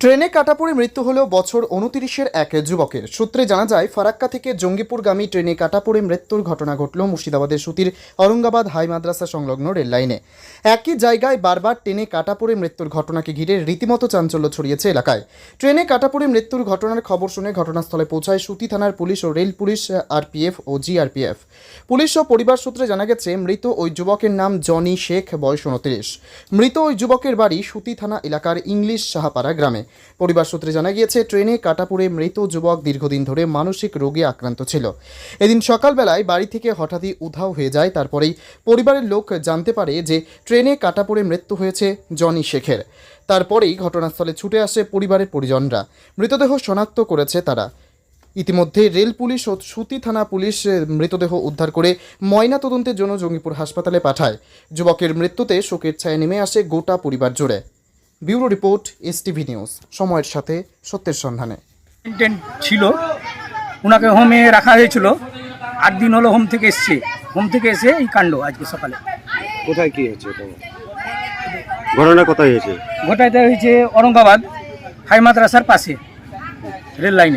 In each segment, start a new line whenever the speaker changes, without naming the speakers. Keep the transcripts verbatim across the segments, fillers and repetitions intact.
ট্রেনে কাটা পড়ে মৃত্যু হলেও বছর উনত্রিশের এক যুবকের। সূত্রে জানা যায়, ফারাক্কা থেকে জঙ্গিপুরগামী ট্রেনে কাটা পড়ে মৃত্যুর ঘটনা ঘটল মুর্শিদাবাদের সুতির অরঙ্গাবাদ হাই মাদ্রাসা সংলগ্ন রেল লাইনে। একই জায়গায় বারবার ট্রেনে কাটা পড়ে মৃত্যুর ঘটনাকে ঘিরে রীতিমতো চাঞ্চল্য ছড়িয়েছে এলাকায়। ট্রেনে কাটা পড়ে মৃত্যুর ঘটনার খবর শুনে ঘটনাস্থলে পৌঁছায় সুতি থানার পুলিশ ও রেল পুলিশ, আরপিএফ ও জিআরপিএফ। পুলিশ ও পরিবার সূত্রে জানা গেছে, মৃত ওই যুবকের নাম জনি শেখ, বয়স উনত্রিশ। মৃত ওই যুবকের বাড়ি সুতি থানা এলাকার ইংলিশ সাহাপাড়া গ্রামে। পরিবার সূত্রে জানা গিয়েছে, ট্রেনে কাটা পড়ে মৃত যুবক দীর্ঘদিন ধরে মানসিক রোগে আক্রান্ত ছিল। এদিন সকালবেলায় বাড়ি থেকে হঠাৎই উধাও হয়ে যায়। তারপরেই পরিবারের লোক জানতে পারে যে ট্রেনে কাটা পড়ে মৃত্যু হয়েছে জনি শেখের। তারপরেই ঘটনাস্থলে ছুটে আসে পরিবারের পরিজনরা। মৃতদেহ শনাক্ত করেছে তারা। ইতিমধ্যে রেল পুলিশ ও সুতি থানা পুলিশ মৃতদেহ উদ্ধার করে ময়না তদন্তের জন্য জঙ্গিপুর হাসপাতালে পাঠায়। যুবকের মৃত্যুতে শোকের ছায়া নেমে আসে গোটা পরিবার জুড়ে। ব্যুরো রিপোর্ট, এসটিভি নিউজ, সময়ের সাথে সত্যের সন্ধানে।
ইন্টেন্ট ছিল, ওনাকে হোমে রাখা হয়েছিল। আট দিন হলো হোম থেকে এসছে। হোম থেকে এসে এই কাণ্ড আজকে সকালে।
কোথায় কি হয়েছে এটা? ঘটনা কোথায় হয়েছে?
ঘটাইতে হয়েছে অরঙ্গাবাদ হাই মাদ্রাসার পাশে রেল লাইনে।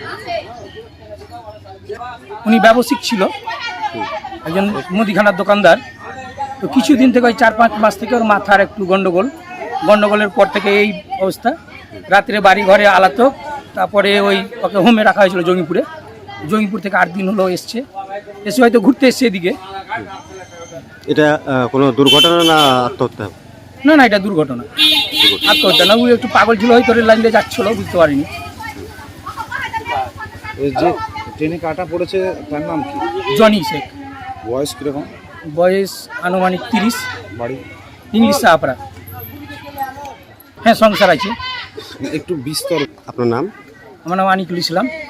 উনি ব্যবসায়িক ছিল, একজন মুদিখানার দোকানদার। তো কিছুদিন থেকে ওই চার পাঁচ মাস থেকে ওর মাথার একটু গন্ডগোল গন্ডগোলের পর থেকে এই অবস্থা। রাত্রে বাড়ি ঘরে আলাতো, তারপরে ওই ওকে হোমে রাখা হয়েছিল জঙ্গিপুরে। জঙ্গিপুর থেকে আট দিন হলো এসছে। এসে হয়তো ঘুরতে এসছে এদিকে।
এটা কোনো দুর্ঘটনা না আত্মহত্যা?
না না, এটা দুর্ঘটনা, আত্মহত্যা না। ওই একটু পাগল ছিল, হয়তো রেল লাইনে যাচ্ছিল, বুঝতে পারিনি।
এই যে ট্রেনে কাটা পড়েছে তার নাম কি?
জনি শেখ।
বয়স কিরকম?
বয়স আনুমানিক তিরিশ।
বাড়ি?
ইংলিশ সাহাপাড়া। হ্যাঁ, সংসার আছে।
একটু বিস্তর।
আপনার নাম?
আমার নাম আনিকুল ইসলাম।